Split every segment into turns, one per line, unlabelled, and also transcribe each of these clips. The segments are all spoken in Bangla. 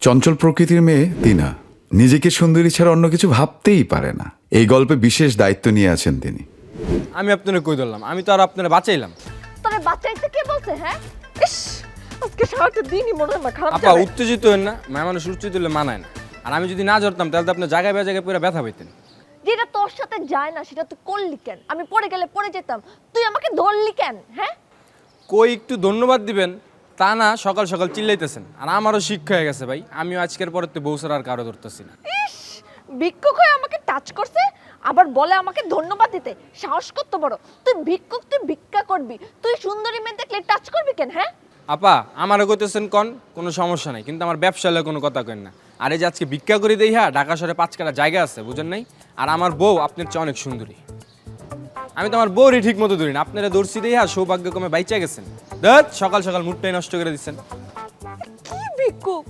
চঞ্চল প্রকৃতির মেয়ে তিনা নিজেকে সুন্দরী ছাড়া অন্য কিছু ভাবতেই পারে না। এই গল্পে বিশেষ দায়িত্ব নিয়ে আছেন তিনি।
আমি আপনারে কই ধরলাম, আমি তো আর আপনারে বাঁচাইলাম।
তোরে বাচ্চাইতে কে বলছে? হ্যাঁ, ইস, আজকে সারাটা দিনই মনে হয় খারাপ
আপা
যাবে।
উত্তেজিত হন না, মায়া মানুষ উত্তেজিত হলে মানায় না। আর আমি যদি না ধরতাম তাহলে তো আপনার জায়গায় জায়গায় পুরো ব্যথা পাইতেন।
যেটা তোর সাথে যায় না সেটা তুই করলি কেন? আমি পড়ে গেলে পড়ে যেতাম, তুই আমাকে ধরলি কেন? হ্যাঁ,
কই একটু ধন্যবাদ দিবেন তা না, সকাল সকাল চিল্লাইতেছেন। আর আমারও শিক্ষা হয়ে গেছে ভাই, আমিও আজকের পরে তো বউ ছাড়া আর কারো ধরতেছি না।
ইস, ভিক্ষুক হয়ে আমাকে টাচ করছে, আবার বলে আমাকে ধন্যবাদ দিতে। সাহস কত বড়! তুই ভিক্ষুক, তুই ভিক্ষা করবি, তুই সুন্দরী মেয়ে দেখলে টাচ করবি কেন? হ্যাঁ,
আপা আমারও কইতেছেন কন, কোনো সমস্যা নাই, কিন্তু আমার ব্যবসা হলে কোনো কথা কেন না। আর এই যে আজকে ভিক্ষা করে দেই, হ্যাঁ ঢাকা শহরে 5 কাটা জায়গা আছে, বুঝেন নাই? আর আমার বউ আপনার চেয়ে অনেক সুন্দরী। আমি তো আমার বউরই ঠিক মতো ধরি না, আপনারা দর্শি দিয়ে হ্যাঁ সৌভাগ্যক্রমে বাইচা গেছেন। দেখ সকাল সকাল মুডটাই নষ্ট করে দিচ্ছেন।
কি ভিক্ষুক?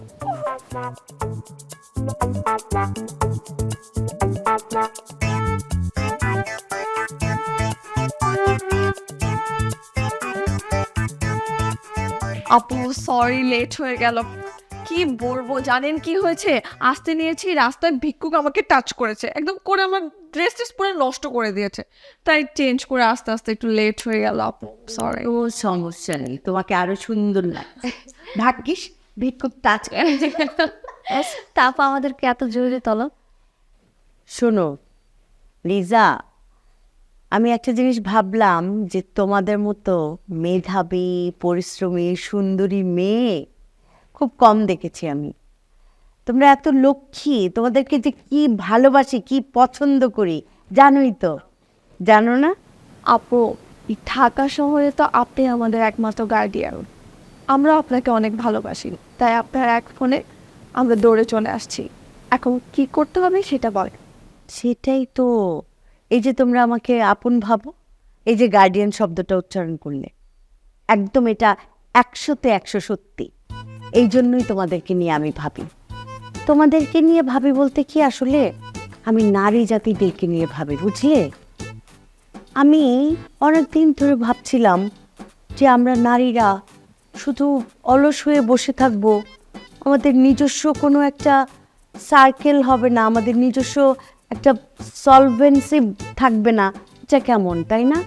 আপু সরি লেট হয়ে গেল। কি বলবো জানেন কি হয়েছে, আসতে নিয়েছি রাস্তায় ভিক্ষুক আমাকে টাচ করেছে, একদম করে আমার ড্রেস ট্রেস পুরো নষ্ট করে দিয়েছে, তাই চেঞ্জ করে আস্তে আস্তে একটু লেট হয়ে গেল আপু, সরি।
ও সমস্যা নেই, তোমাকে আরো সুন্দর লাগছে। ভাগ্যিস ভিক্ষুক টাচ।
তারপর আমাদেরকে এত জরুরি তলব।
শোনো লিজা, আমি একটা জিনিস ভাবলাম যে তোমাদের মতো মেধাবী পরিশ্রমী সুন্দরী মেয়ে খুব কম দেখেছি আমি। তোমরা এত লক্ষ্মী, তোমাদেরকে যে কি ভালোবাসি, কি পছন্দ করি জানোই তো, জানো না?
আপু এই ঢাকা শহরে তো আপনি আমাদের একমাত্র গার্ডিয়ান, আমরা আপনাকে অনেক ভালোবাসি, তাই আপনার এক ফোনে আমরা দৌড়ে চলে আসছি। এখন কি করতে হবে সেটা বল।
সেটাই তো, এই যে তোমরা আমাকে আপন ভাবো, এই যে গার্ডিয়ান শব্দটা উচ্চারণ করলে, একদম এটা 100-তে 100 সত্যি। এই জন্যই তোমাদেরকে নিয়ে আমি ভাবি। তোমাদেরকে নিয়ে ভাবি বলতে কি, আসলে আমি নারী জাতিদেরকে নিয়ে ভাবি, বুঝলে? আমি অনেকদিন ধরে ভাবছিলাম যে আমরা নারীরা শুধু অলস হয়ে বসে থাকবো, আমাদের নিজস্ব কোনো একটা সার্কেল হবে না, আমাদের নিজস্ব একটা সলভেন্সি থাকবে না, এটা কেমন, তাই না?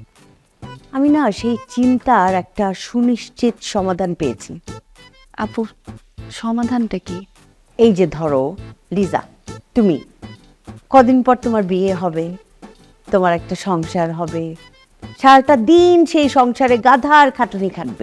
আমি না সেই চিন্তার একটা সুনিশ্চিত সমাধান পেয়েছি।
আপু সমাধানটা কি?
এই যে ধরো লিজা, তুমি কদিন পর তোমার বিয়ে হবে, তোমার একটা সংসার হবে, সারাটা দিন সেই সংসারে গাধার খাটুনি খাটবে।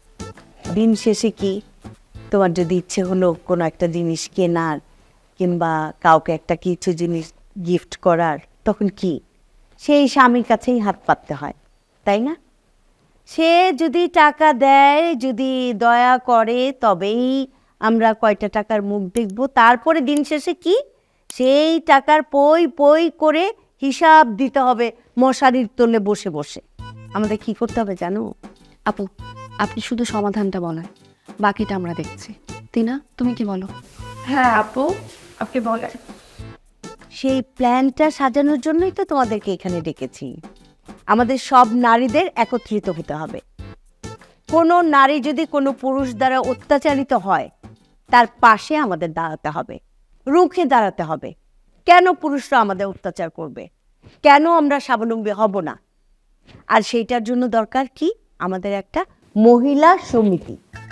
দিন শেষে কি, তোমার যদি ইচ্ছে হলো কোনো একটা জিনিস কেনার কিংবা কাউকে একটা কিছু জিনিস গিফট করার, তখন কি সেই স্বামীর কাছেই হাত পাততে হয়, তাই না? সে যদি টাকা দেয়, যদি দয়া করে, তবেই আমরা কয়টা টাকার মুখ দেখব। তারপরে দিন শেষে কি, সেই টাকার পই পই করে হিসাব দিতে হবে মশারির তলে বসে বসে। আমাদের কি করতে হবে জানো?
আপু আপনি শুধু সমাধানটা বলেন, বাকিটা আমরা দেখছি। তিনা তুমি কি বলো? হ্যাঁ আপু আপনি বলেন।
সেই প্ল্যানটা সাজানোর জন্যই তো তোমাদেরকে এখানে ডেকেছি। আমাদের সব নারীদের একত্রিত হতে হবে। কোনো নারী যদি কোনো পুরুষ দ্বারা অত্যাচারিত হয়, তার পাশে আমাদের দাঁড়াতে হবে, রুখে দাঁড়াতে হবে। কেন পুরুষরা আমাদের অত্যাচার করবে? কেন আমরা স্বাবলম্বী হব না? আর সেইটার জন্য দরকার কি, আমাদের একটা মহিলা সমিতি।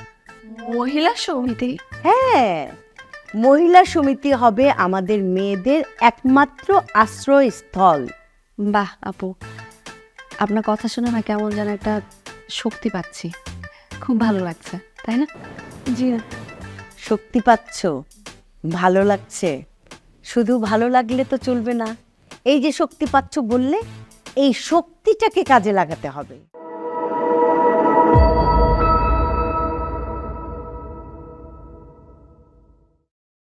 মহিলা সমিতি?
হ্যাঁ, মহিলা সমিতি হবে আমাদের মেয়েদের একমাত্র আশ্রয়স্থল।
বাহ আপু, আপনার কথা শুনে না কেমন যেন একটা শক্তি পাচ্ছি, খুব ভালো লাগছে, তাই না?
জি, শক্তি পাচ্ছ, ভালো লাগছে। শুধু ভালো লাগলে তো চলবে না, এই যে শক্তি পাচ্ছ বললে, এই শক্তিটাকে কাজে লাগাতে হবে।